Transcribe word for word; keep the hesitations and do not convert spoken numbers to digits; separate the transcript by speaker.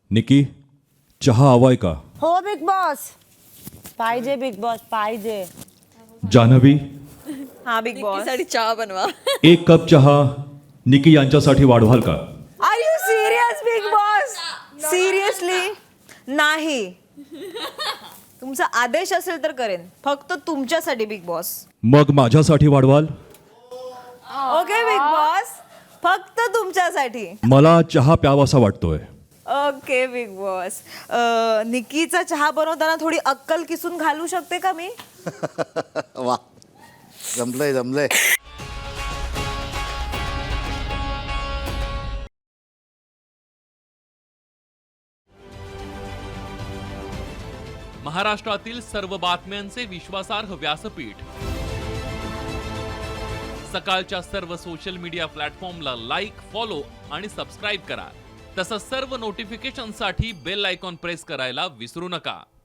Speaker 1: निकी, चहा हवाय का?
Speaker 2: हो बिग बॉस. पाहिजे बिग बॉस पाहिजे.
Speaker 1: जान्हवी,
Speaker 2: हा बिग बॉस.
Speaker 3: साठी चहा बनवा.
Speaker 1: एक कप चहा निकी यांच्यासाठी वाढवाल का?
Speaker 2: Are you serious Bigg Boss? Seriously नाही. तुमचा आदेश असेल तर करेन, फक्त तुमच्यासाठी बिग बॉस.
Speaker 1: मग माझ्यासाठी वाढवाल?
Speaker 2: ओके बिग बॉस, फक्त तुमच्यासाठी.
Speaker 1: मला चहा प्यावासा वाटतोय.
Speaker 2: Okay Bigg Boss. अ, निकीचा चहा बनवताना थोडी अक्कल किसून घालू शकते का मी?
Speaker 4: वा, जमलंय जमलंय.
Speaker 5: महाराष्ट्रातील सर्व बातम्यांचे विश्वासार्ह व्यासपीठ. सकाळच्या सर्व सोशल मीडिया प्लॅटफॉर्मला लाईक, फॉलो आणि सबस्क्राईब करा. तसंच सर्व नोटिफिकेशनसाठी बेल आयकॉन प्रेस करायला विसरू नका.